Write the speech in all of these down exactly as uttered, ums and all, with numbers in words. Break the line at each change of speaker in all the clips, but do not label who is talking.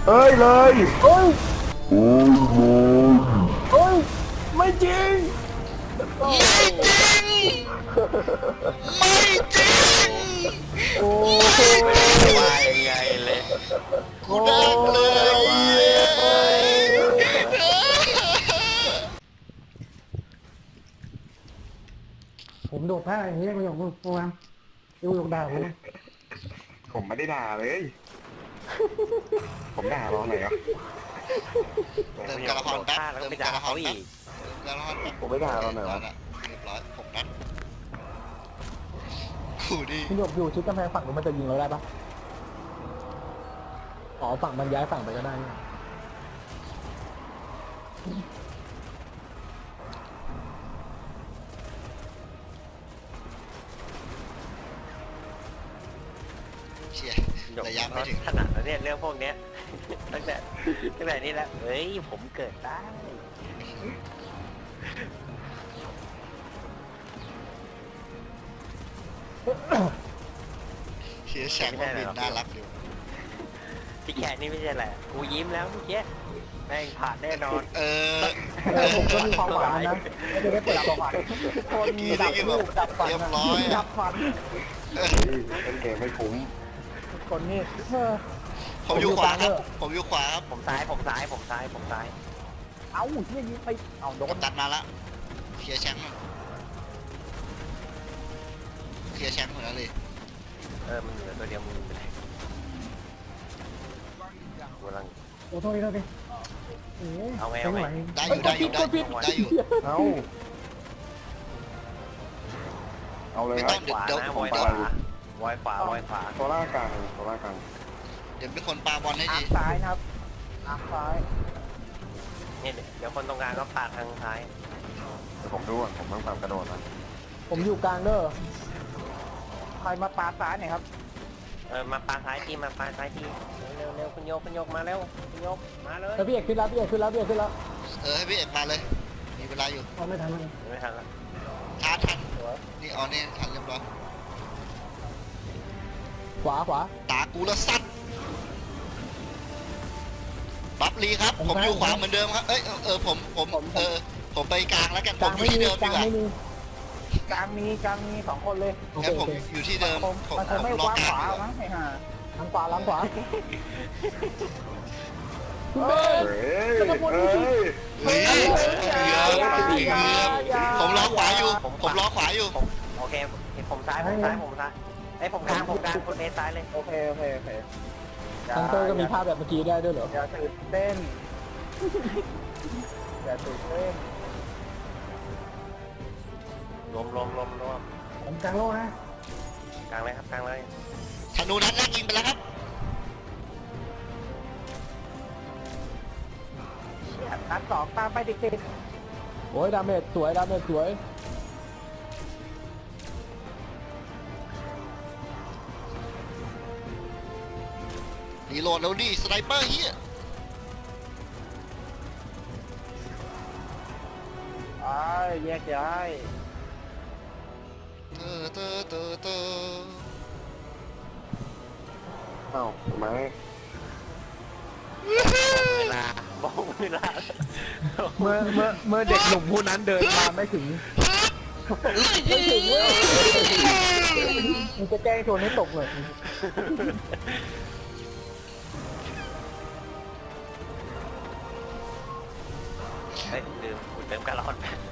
เอ้ยเลยเอ้ย
โอ้ย
เอ้ยไม่จริง
ไม่จริงไม่จริง
โอ้โห
ว่ายังไงเลย
กูดังเลยเย้
ผมโดดท่าอย่างนี้ประโยคมึงโอ้ยดูโยกด่าผม
ผมไม่ได้ด่าเลยผมด่าเราไหนอ่ะ
เติมการละครแป๊บ
แล้ว
เติ
ก็
ม
ไป
กา
ด่าร
ละค
เขา
ร
อี
แป๊บ
ก
การละครแป๊บ
ผมไม่ด่าเราไหน
ร้อ
วะ
นอะเรียบร้อยหกนัดกูดิ
พี่โยกอยู่ชิดกำแพงฝั่งนู้นมันจะยิงเราได้ปะอ๋อฝั่งมันย้ายฝั่งไปก็ได้นี่
เชียระยะไม่ถึง
ขนาดนั้นเนี่ยเรื่องพวกเนี้ยตั้งแต่ตั้งแต่นี้แล้วเฮ้ยผมเกิดได้
เชียแชงว่าบินน่ารักอยู่
พี่แกนี่ไม่ใช่แหละกูยิ้มแล้วเมื่อกี้แม่งผ่านแน่นอน
เออ
เออผมก็มีความหวังนะไม่ได้เปิดความหวังคนดับลูกดับฝัน
เรียบร้อย
ดับฝัน
เป็นเกมไม่คุ้ม
คนนี้เออ
ผมอยู่ขวาครับผมอยู่ขวาครับ
ผมซ้ายผมซ้ายผมซ้ายผมซ้าย
เอ้าที่ยิงไปเอาโด
กัน บตันมาละเคลียร์แชงมันเคลียร์แชงหมดแล้วเลย
เออมันเหลือตัวเดียวมึงไปไหนกำลัง
โอ้โทษทีโทษที
เอาไงเอาไง
ได้อยู่ได้อยู่ได้อยู่ได้อยู่
เอาเอาเลย
ไม่
ครั
ต้อบ งเดี๋ยว
ขวา
เดี๋ยว
นะ
ผ
ว
ม
อย
เดี๋
ข
ยว
วาวอยขวาวอยขวา
โซล่ากลางโซล่ากลาง
เดี๋ยวเป็นคนปาบอลให้
อา
ดี
ร์ซ้ายนะครับอาร์ซ้าย
เนี่ยเดี๋ยวคนตรงกลางก็ปาดทางซ้าย
เดี๋ยวผมดูก่อนผมต้องตามกระโดดนะ
ผมอยู่กลางเด้อใครมาปาซ้ายหน่อยครับ
เออมาปาดซ้ายทีมาปาดซ้ายทีเร็วเร็วคุณโยกคุณโยกมาเร็วคุณโยกมาเลย
แล้วพี่เอกขึ้นแล้วพี่เอกขึ้นแล้วพี่เอกขึ้นแล้ว
เออให้พี่เอกมาเลยมีเวลาอยู่
เอาไม่ทันเลย
ไม่ทันละ
ชาร์จทันนี่อ๋อนี่ทันเรียบร้อย
ขวาขวา
ตากูแล้วสัตว์บัฟลีครับ ผมอยู่ขวาเหมือนเดิมครับ เอ้ยเออเออผมผมเออผมไปกลางแล้วกันผ
กลาม ง
อยู่
ไม่
ที่
มี
เดิม
ก
ดี
ลาง
กว่า
ไม่มีกลางมีกลางมีสองคนเลย
งั้นผมอยู่ที่เดิมผม
มันคงไม่
รอก
ว้าง
กลาง
ขวา
ดีกว่า
มั้งไอ้ห่าทางขวาล้างขวา
เฮ้ยเฮ้ย
เฮ้ยเกือบเกือบผมล้อขวาอยู่ ผมล้อขวาอยู่
ผมโอเคผมซ้ายผมซ้ายผมซ้ายไอ้ผมกลางผมกลางคนเอซ้ายเลย
โอเคโอเคโอเคทันเตอร์ก็มีภาพแบบเมื่อกี้ได้ด้วยเหรออย่าตื่นเต้นอย่าตื่นเต้น
รวมรวมรวมรวม
ผมกลางโลกนะ
กลางเลยครับกลางเลย
ธนูนั้นแรกยิงไปแล้วครับ
นัดสองตามไปติดๆโอ้ยดาเมจสวยดาเมจสวย
รีโหลดแล้วดิสไนเปอร์เฮีย
ไอ้แยกย้าย
เตอเตอเตอเตอ
เอ้าทำไม
เวลาบอกเวลา
เมื่อเมื่อเมื่อเด็กหนุ่มผู้นั้นเดินมาไม่ถึงไม่ถึงเว้ยมึงจะแกล้งชวนให้ตกเลย
เฮ้ยลืมคุณเติมการร้อน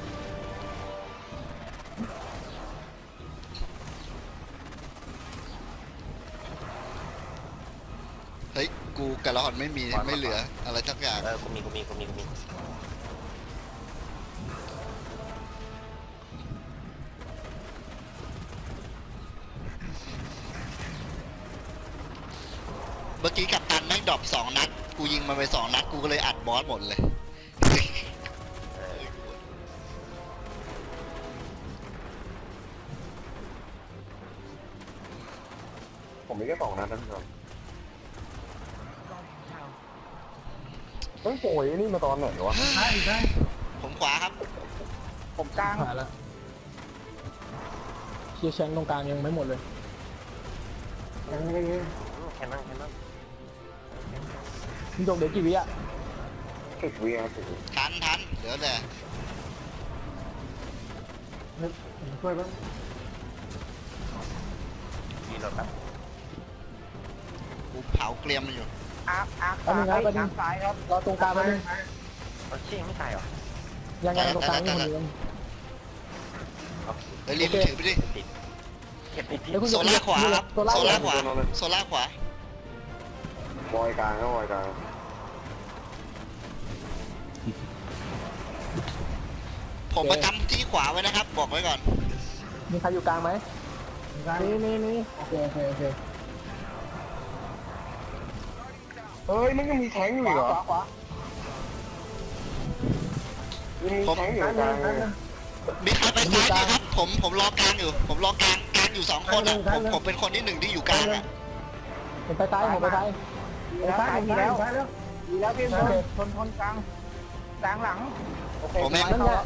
เฮ้ยกูกระหอนไม่มีไม่เหลืออะไรสักอย่าง
เออกูมีกูมีกูมีกูมี
เมื่อกี้กับตันแม่งดรอปสองนัด กูยิงมันไปสองนัด กูก็เลยอัดบอสหมดเลย
ผมมีแค่สองนัดนะพี่ครับเฮ้ยโอยนี่มาตอนไหนวะ
ได้ได้
ผมขวาครับ
ผมกลางแล้วเชียร์แชงตรงกลางยังไม่หมดเลย
แค่นั่งแค่นั่ง
พี่จงเดี๋ยวกี่วิอ่ะ
สิบวิครับสิบวิ
ทันทันเดี๋ยวแต่
ผมช่วยบ้าง
มีรถครับ
กูเผาเกรียมมันอยู่
อาร์คอาร์คซ้ายอาร์คซ้ายครับรอตรงกลางมาหนึ่ง
รถเชี่ยงไม่ตายเหรอ
ยังยังตรงกลางนี่คนเดียว
เฮ้ยรีบ
โอเค
ถือไปดิ
ติดเก็บติดที่
เดี๋ยวคุณ
โซล่าขวาครับ
โซล่า
โซล่าข
ขวาว
าโซล่าขวา
วอยกลางก็วอยกลาง
ผมประจำที่ขวาไว้นะครับ บอกไว้ก่อน
มีใครอยู่กลางไหมนี่นี่นี่โอเคโอเคโอเค
เฮ้ยมันยังมีแทงอยู่
ข
เหร
วา
อ
ขวาขวา
ยังมีแทงอยู่กลางเลย
มีใครไปซ้ายดีครับ ผมผมรอกลางอยู่ ผมรอกลางกลางอยู่สองคนอ่ะผมผมเป็นคนที่หนึ่งที่อยู่กลางอ่ะ
ผมไปซ้ายผมไปซ้าย
มีแล้วมีแล้วมีแล้วพี่ชนชนชนกลางกลางหลัง
โอเค
ผมเอง
นั่นแหละ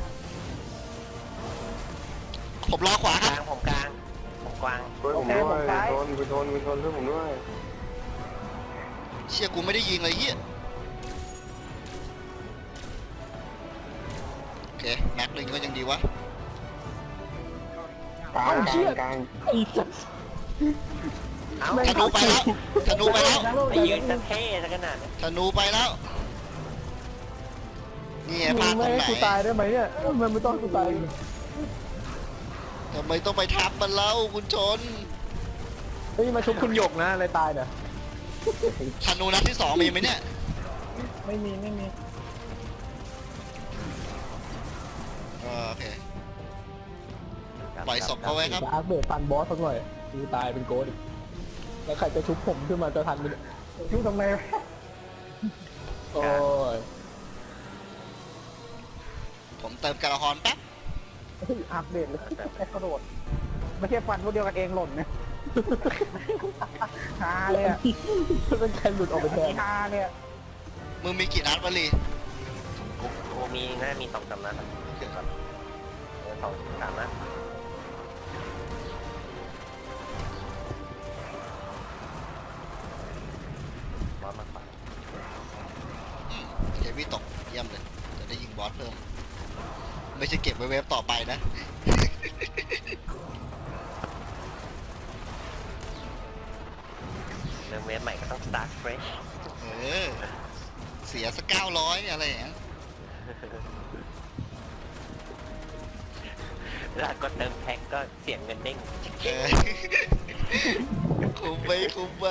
ผมรอขวาก ครับ
ลางผมกลางผมกลาง
ช่วยผมด้วยชนไปชนไปชนช่วยผมด้วย
เชี่ยกูไม่ได้ยิงเลยเฮียโอเคแม็กลิงก็ยังดีวะ
กลางกลางกลาง
ไอ้สัส
เอ้า
ธนูไปแล้วธนูไปแล้ว
ไปยืนจะเท่ซะขนาดนี้
ธนูไปแล้วนี่ไงพ
มึ
ลาด
ง
ต
ไม่
รง
ให้
ไหน
กูตายได้ไหมเนี่ยมันไม่ต้องให้กูตาย
ทำไมต้องไปทับมันเล่าคุณชน
เฮ้ยมาชุบคุณหยกนะอะไรตายเนี่ย
ธนูนัดที่สองมีไหมเนี่ย
ไม่มีไม่มี
เออโอเค ปล่อยศพเขาไว้ครับ
จะอาร์คเบรฟันบอสสักหน่อยกูตายเป็นโกดอีกแล้วใครจะชุบผมขึ้นมาจะทันไหมเนี่ย
ชุบทำไม
โอ้ย
ผมเติมกระหอนแป๊บ
อัปเดตเลยแค่กระโดดไม่ใช่ฟันพวกเดียวกันเองหล่นนะฮาเลยอ่ะ
เป็นใครหลุดออกไปแทน
ฮาเนี่ย
มึงมีกี่นัดวะลี
กูกูมีน่ามีสองสามนัดอะเดี๋ยวก่อนเออสองสามนัดบอสมากกว่า
อืมเฮฟวี่ตกเยี่ยมเลย จะได้ยิงบอสเพิ่ม ไม่ใช่เก็บไว้เวฟต่อไปนะ
เริ่มเวฟใหม่ก็ต้อง start fresh
เออ เสียสักเก้าร้อยอะไรอย่างเงี้ย
เวลาก็เติมแพ็กก็เสียงเงินเด้ง
เออ คุ้มไปคุ้มไป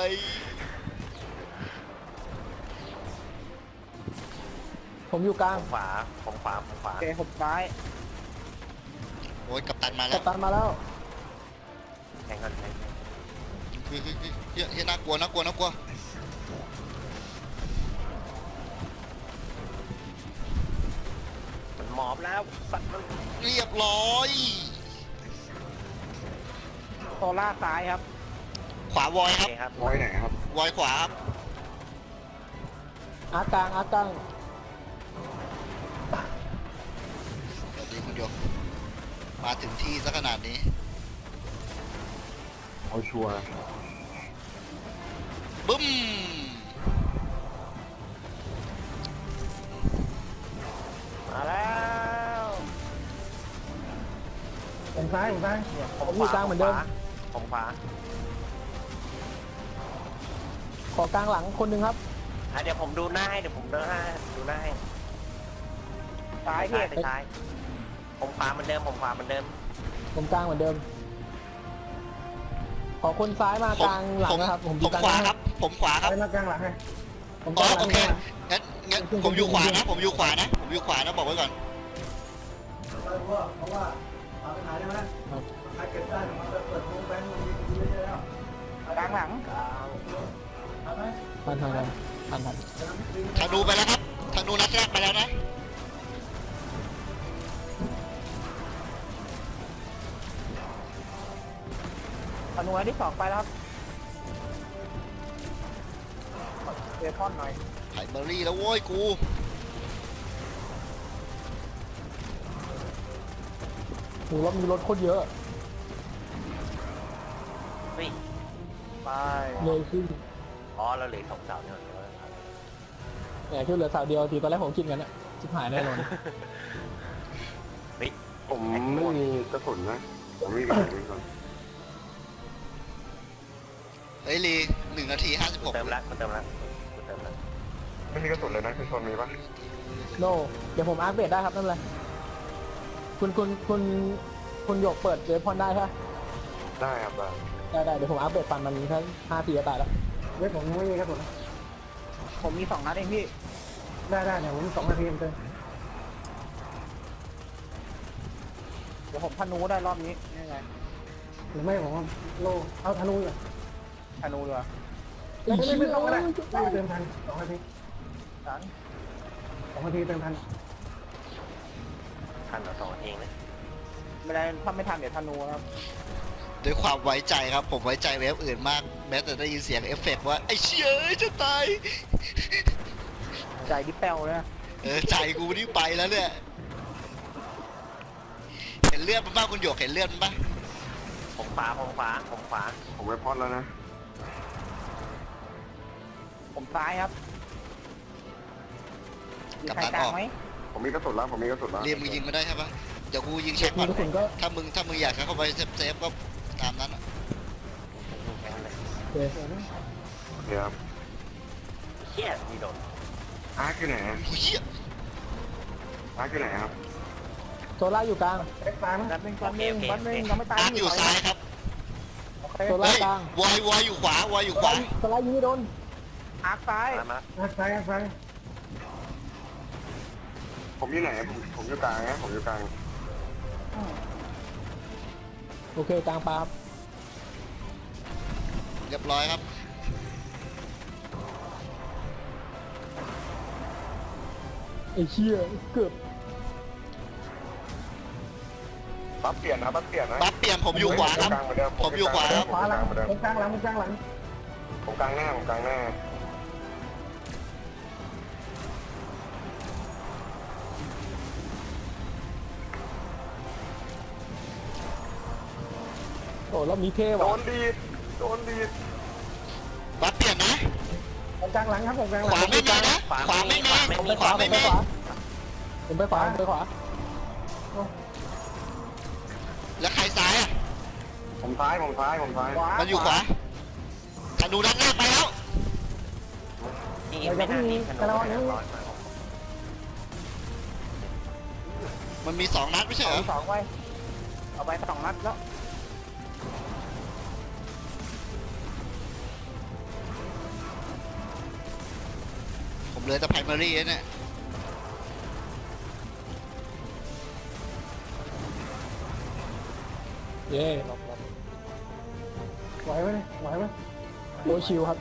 ผมอยู่กลาง
ผมขวาผมขวาผมขวา
โอเคผมซ้าย
โอ้ยกัปตันมาแล้
กั
ว
ปตันมาแล้ว
แทงก่อนแทง
เฮ้ยเฮ้ยเฮ้ยเฮ้ยเฮ้ยน่ากลัวน่ากลัวน่ากลัว
มันหมอบแล้วสัตว์มัน
เรียบร้อย
โซล่าซ้ายครับ
ขวาวอย
โอ
ครับ
เคครับ
วอยไหนครับ
วอยขวาครับ
อาร์คกลางอาร์คกลาง
สวัสดีคุณโยกมาถึงที่ซะขนาดนี้
เอาชัวร์
บึ้ม
มาแล้ว
ผมซ้ายผมซ้าย
ผมอยู่กลางเหมือนเดิม
ผมขวา
ขอกลางหลังคนหนึ่งครับ
อ่ะเดี๋ยวผมดูหน้าให้เดี๋ยวผมดูหน้าให้ดูหน้าให้
ซ้าย
ซ้า
พี่
ยซ้ายผมขวาเหมือนเดิมผมขวาเหมือนเดิม
ผมกลางเหมือนเดิม ขอคนซ้ายมา
ผม
กลางหลังนะครับ ผมอ
ผ
ยู่
ม
กลาง
ขวา
หลัง
ครับ ผมขวาครับ
ไปมากลางหลังให้
ผมก
อ๋อ
ลางหลั
โอง เค
นะ
งั้นงั้นผมอยู่ขวานะ ผมอยู่ขวานะ ผมอยู่ขวานะบอกไว้ก่อน
กลางหลัง
ทันทันทันทันทัน
ธนูไปแล้วครับ ธนูนัดแรกไปแล้วนะ
อนุวัที่สองไปแล้วครับเบคอนหน่อย
ไผ่เบอร์รี่แล้วโว้ยกู
โหรอบมีรถโคตรเยอะ
เฮ้ย
ไป
เลยขึ้น
อ๋อเราเหลือสองเสาเนี่ยเดี๋ยว
แหมคิวเหลือสาวเดียวทีตอนแรกผมคิดกันอะชิบหายแน่นอน
ผมไม่มีกระสุนนะผมไม่มีกระสุนก่อน
เฮ้ยลีหนึ่งนาทีห้าสิบห
กู
ก
เติมละกูเติมละกูเติมละ
ไม่มีกระสุนเลยนะคือชนมีปะ
โนเดี๋ยวผมอาร์คเบดได้ครับนั่นเลยคุณคุณคุณคุณหยกเปิดเวฟพอนได้ใช่ไหม
ได้ครับได้
ได้ได้เดี๋ยวผมอาร์คเบดฟันมันแค่ห้าทีก็ตายแล้ว
เว้ยผมยังไม่มีกระสุนผมมีสองนัดเองพี่ได้ได้เนี่ยผมมีสองนาทีเต็มเดี๋ยวผมธนูได้รอบนี้ยังไงหรือไม่ผมโลเอาธนูเลยธนูเลยไม่ไม่ไม่ต้องก็ได้ไม่เติมทันสองนาทีสามสองนาทีเติมทัน
ทันเหรอสองนาทีเองนะ
ไม่ได้ถ้าไม่ทันเดี๋ยวธนูครับ
ด้วยความไว้ใจครับ ผมไว้ใจเว็บอื่นมาก แม้แต่ได้ยินเสียงเอฟเฟกต์ว่าไอ้เชี่ยเอ้ยจะตาย
ใจดิแป้วเลย
เออใจกูนี่ไปแล้วเนี่ย เห็นเลือดมันบ้างคุณหยกเห็นเลือดมันบ้าง
ผมขวาผมขวาผมขวา
ผมไม่พอดแล้วนะ
ผมซ้ายครับมี
กับ
ใคร
ตัน
กลา
อง อก
ไหม
ผมมีกระสุนแล้วผมมีกระสุนแล้ว
เรียมมึงยิงไม่ได้ใช่ปะเดี๋ยวกูยิงเช็คก่
มี
อน
กระสุนก็
ถ้ามึงถ้ามึงอยากจะเข้าไปเซฟเซฟก็ตามนั้นอะ
ยิงแทงเลย
โอเค
เดี๋ยวครับ
เชี่ยมีโดน
อาร์คอยู่ไหน
โอ้ยเหี้ย
อาร์คอยู่ไหนครับ
โซล่าอยู่กลาง
เอ็กซ์ตายมั้ยวัดหนึ่งวัดหนึ่งวัดหนึ่งยังไม่ตาย
อาร์คอยู่ซ้ายครับ
โอเค
โซล่า
เฮ้ย
กลาง
วอยวอยอยู่ขวาวอยอยู่ขวา
โซล่ายิงไม่โดน
อาร์คซ้าย
มามา
อาร์คซ้ายอาร์คซ้าย
ผมอยู่ไหนผมผมอยู่กลางนะผมอยู่กลาง
โอเคกลางปลาครับ
เรียบร้อยครับ
ไอ้เชี่ยเกือบ
ปั๊บเปลี่ยนนะปั๊บเปลี่ยนนะ
ปั๊บเปลี่ยนผมอยู่ขวาครับ
กลางเหมือนเดิม
ผมอยู่ขวาครับ
ขวาหลัง
เหมือนเดิม
ผมกลางหลังผมกลางหลัง
ผมกลางหน้าผมกลางหน้า
โอ้รอบนี้เท่
โด
ว่ะ
นดีดโดนดีด
ปั๊บเปลี่ยนนะ
ผมกลางหลังครับผมกลางห
ข
ลัง
วาไม่มานะ ขวาไม่มา
ผมไป
ข
ขวาว
า
ผม
ไม่
ไป
มา
ขวาผมไปขวาผมไปขวา
แล้วใครซ้ายอ่ะ
ผมซ้ายผมซ้ายผมซ้าย
ขวา
มันอยู่ขวาธนูด้านหน้าไปแล้ว
นี่ไม่นานนี่ธนูไม่นานร้อยมา
มันมีสองนัดไม่ใช่เหร
เอา
อ
สองไว้เอาไปสองนัดแล้ว
ผมเหลือแต่ไพรมารีเนี่ย
เย่
ไหวไหมไหวไหม
โบชิวครับ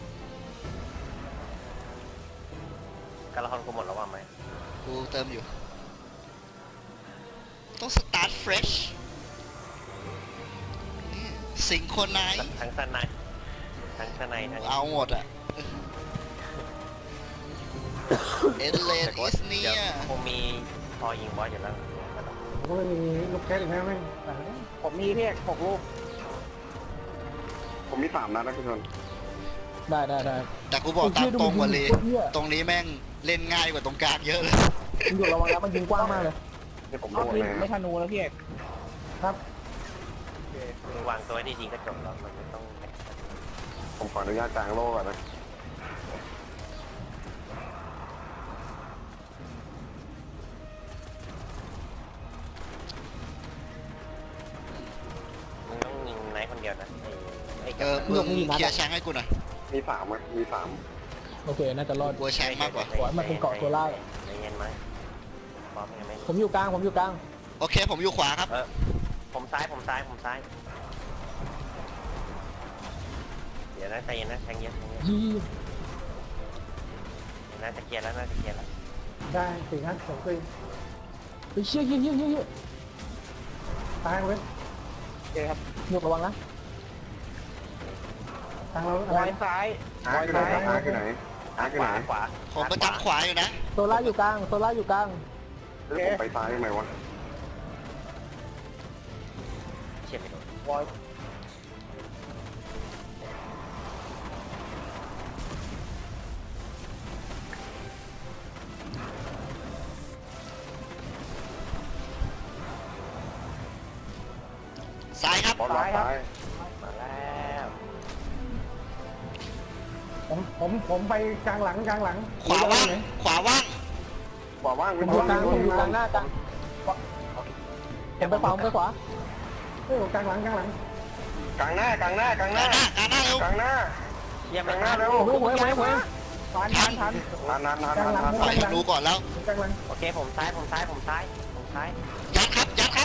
การละครกูหมดแล้วว่าไหม
กูเติมอยู่ ต้องสตาร์ทเฟรชสิงโครไนซ์
ทั้งสนายทั้งสนายทั้ง
เอาหมดอ่ะ เอเดเลนอิสเนี
เดี๋ยวย คงมีพอยิงบอสอยู่แล้ว
ผมก็ไม่มีลูกแก๊สอีกแล้วไหมผมมีเพียกหกลูก
ผมมีสามนัดนะคุณชน
ได้ได้ได้
แต่กูบอกตามตรงกว่าเลย
ไอ้เหี้ย
ตรงนี้แม่งเล่นง่ายกว่าตรงกลางเยอะเลย
คุณหยกระวังนะมันยิงกว้างมากเลย
นี่ผม
ร
โด
อบ
น
นี้
เลย
ไม่ธนูแล้วพี่เอกครับ
มึงวางตัวให้ดีๆก็จบแล้วมันไม่ต้อง
ผมขออนุญาตกลางโลกก่อนนะ
มึงต้องยิงไนท์คนเดียวนะไอ้
เออมึงเคลียร์แชงให้กูหน่อย
มีสามอ่ะมีสาม
โอเคน่าจะรอด
กลัวแชงมากกว่า
ขอให้มันเป็นเกาะตัวล่าง
ใจเย็นไหมพร้อมยังไม่
ผมอยู่กลางผมอยู่กลาง
โอเคผมอยู่ขวาครับ
เออผมซ้ายผมซ้ายผมซ้ายเดี๋ยวนะใจเย็นนะแทงเยอะแทงเยอะ
ยี่
น่าจะเกียร์แล้วน่าจะเกียร์แล้ว
ได้สี่นัดสองตี
ไอ้เชี่ยเยี่ยเยี่ยเยี่ยเยี่ย
ตายเว้ยโอเคครับ
หยกระวังนะ
ทางเราวายซ้าย
อาร์คอยู่ไหนอาร์คอยู่ไหนอาร์คอยู่
ข
ไหน
วาขวา
ผมประจำขวาอยู่นะ
โซล่าอยู่กลางโซล่าอยู่กลาง
แล้วผมไปซ้ายทำไมวะ
เฉียบไปโดน
วายครับ
มาแล้ว
ผมผมผมไปกลางหลังกลางหลัง
ขวาว่างขวาว่าง
ขวาว่าง
ผมอยู่กลางผมอยู่กลางหน้ากลางผมไปขวาผมไปขวา
เออกลางหลังกลางหลัง
กลางหน้ากลางหน้ากลางหน้าก
ลางหน้าเร็ว
กลางหน้า
เยี่ยม
ก
เล
ลาย งห
ค
น้า
รับ
เร็ว
โอ้โหเว้ยเว้ยเว้ย
ทันทันทัน
นานนานนานนานนาน
ปล่อยธนูก่อนแล้ว
กลางหลัง
โอเคผมซ้ายผมซ้ายผมซ้ายผมซ้าย
ยัดครับยัดครับ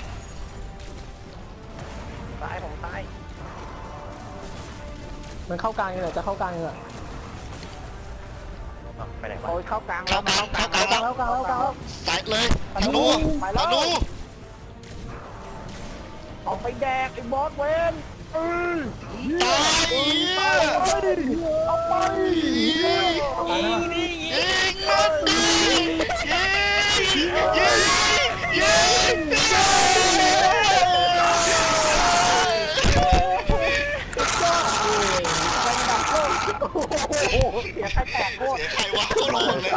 ซ้ายผมซ้าย
มันเข้ากลางเลยจะเข้ากลางเลย
อ้าวไปไหนวะ
โอ้ยเข้ากลาง
เข้ากลางเข้ากลาง
กลาง
แล้
แล้ว วกลางแล้วกลางแล้ว
ใส่เลยธนูธนู
เอาไปแดกไอ้บอสเวนเออ
ตายเหี้ย
เอาไป
ยิงนี่ยิงมันดิยิงยิงยิง
โอ้โหเสียใครแตกโคตร
เสียใครวะเขาลงเลย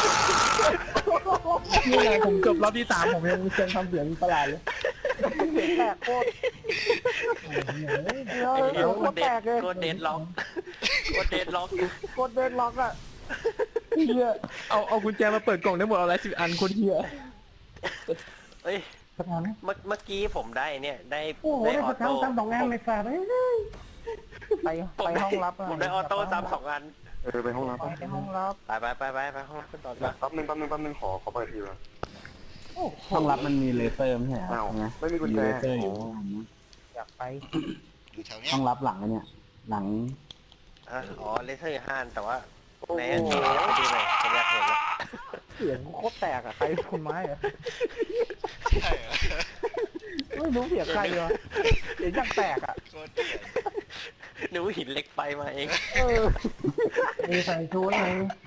นี่ไงผมจบรอบที่สามผมยังเชิญทำเสียงประหลาดเลย
เสียแตกโคตรเออ
ไอ้เหี้ย
โค
โค
ต
ต รเด็
รแต
ด
กเลย
โคตรเด็ดล็อกโคตรเด็ดล็อก
โคตรเดนล็อกอ่ะ
เฮียเอาเอากุญแจมาเปิดกล่องได้หมดเอาอะไรสิบอันคนเฮีย
เฮ้ย
สถานะ
เมื่อเมื่อกี้ผมได้เนี่ยได้
โอ้โห
ได้
ได้
ออ
ประ
โต้
จำตามสองงานในฝาเลยไปไปห้องรับะ
ผมได้ออโต้ซ้ำสองอัน
เออไปห้องน้ำ
ไปห้องรับ
ไปไปไปไปไปห้องรับกันต่อดีกว่า
แป๊บนึงแป๊บนึงแป๊บนึงขอขอเปิดทีละ
ห้องรับมันมีเลเซอร์ไม่ใช่
อ้าวไม่มีกุญแจ
อยากไป
อยู่แถวเนี้ย
ห้องรับหลังเนี่ยหลัง
อ่ะอ๋อเลเซอร์ห้านแต่ว่าในอันนี้ยังไม่ดีเลยผมอยากเห็นละ
เสียงโคตรแตกอ่ะใครคนไม้อ่ะ
ใช่เหรอ
ไม่รู้เสียงใครวะเสียงยังแตกอ่ะ
โคตรเกลียด
นึกว่าหินเหล็กไฟมาเอง
เออมีใส่ชูอะไร